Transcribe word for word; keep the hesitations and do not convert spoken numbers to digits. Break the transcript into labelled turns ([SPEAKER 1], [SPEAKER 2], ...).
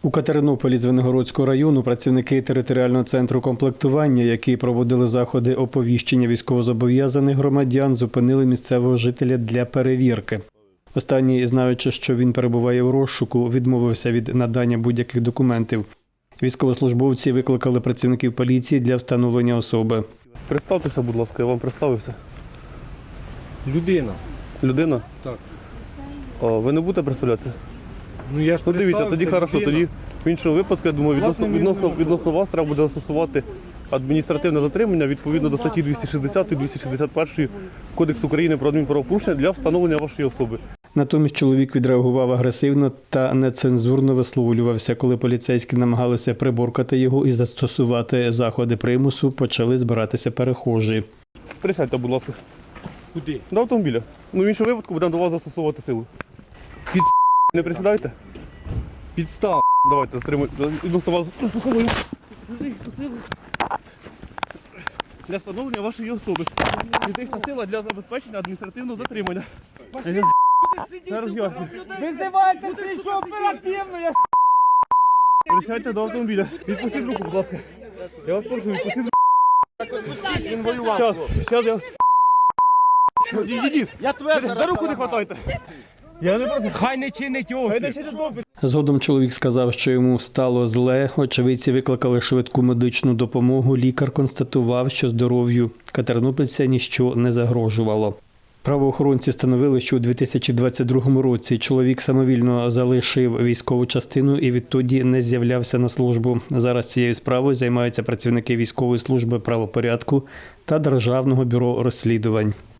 [SPEAKER 1] У Катеринополі Звенигородського району працівники територіального центру комплектування, які проводили заходи оповіщення військовозобов'язаних громадян, зупинили місцевого жителя для перевірки. Останній, знаючи, що він перебуває у розшуку, відмовився від надання будь-яких документів. Військовослужбовці викликали працівників поліції для встановлення особи.
[SPEAKER 2] Представтеся, будь ласка, я вам представився.
[SPEAKER 3] Людина.
[SPEAKER 2] Людина?
[SPEAKER 3] Так.
[SPEAKER 2] О, ви не будете представлятися?
[SPEAKER 3] Ну я ж
[SPEAKER 2] Ну дивіться, тоді хорошо,
[SPEAKER 3] людина.
[SPEAKER 2] тоді в іншому випадку, я думаю, відносно, відносно, відносно вас треба буде застосувати адміністративне затримання відповідно до статті двісті шістдесят двісті шістдесят один Кодексу України про адмінправопорушення для встановлення вашої особи.
[SPEAKER 1] Натомість чоловік відреагував агресивно та нецензурно висловлювався. Коли поліцейські намагалися приборкати його і застосувати заходи примусу, почали збиратися перехожі.
[SPEAKER 2] Присядьте, будь ласка.
[SPEAKER 3] Куди?
[SPEAKER 2] До автомобіля. Ну в іншому випадку будемо до вас застосовувати силу.
[SPEAKER 3] Під...
[SPEAKER 2] Не присідайте?
[SPEAKER 3] Підстав.
[SPEAKER 2] Давайте, стримуйте. Відносно вас застосовую. Для встановлення вашої особи. Фізична сила для забезпечення адміністративного затримання. Зараз ясно.
[SPEAKER 3] Визивайте слідчу оперативно, я
[SPEAKER 2] Присядьте до автомобіля. Відпустіть руку, будь ласка. Я вас прошу, відпустіть руку.
[SPEAKER 3] Він воював.
[SPEAKER 2] Щас, щас я... Ідіть,
[SPEAKER 3] Я тебе
[SPEAKER 2] за руку не хватайте. Я не проти.
[SPEAKER 3] Хай не чинить опір.
[SPEAKER 1] Згодом чоловік сказав, що йому стало зле. Очевидці викликали швидку медичну допомогу. Лікар констатував, що здоров'ю катеринопільця ніщо не загрожувало. Правоохоронці встановили, що у дві тисячі двадцять другому році чоловік самовільно залишив військову частину і відтоді не з'являвся на службу. Зараз цією справою займаються працівники військової служби правопорядку та Державного бюро розслідувань.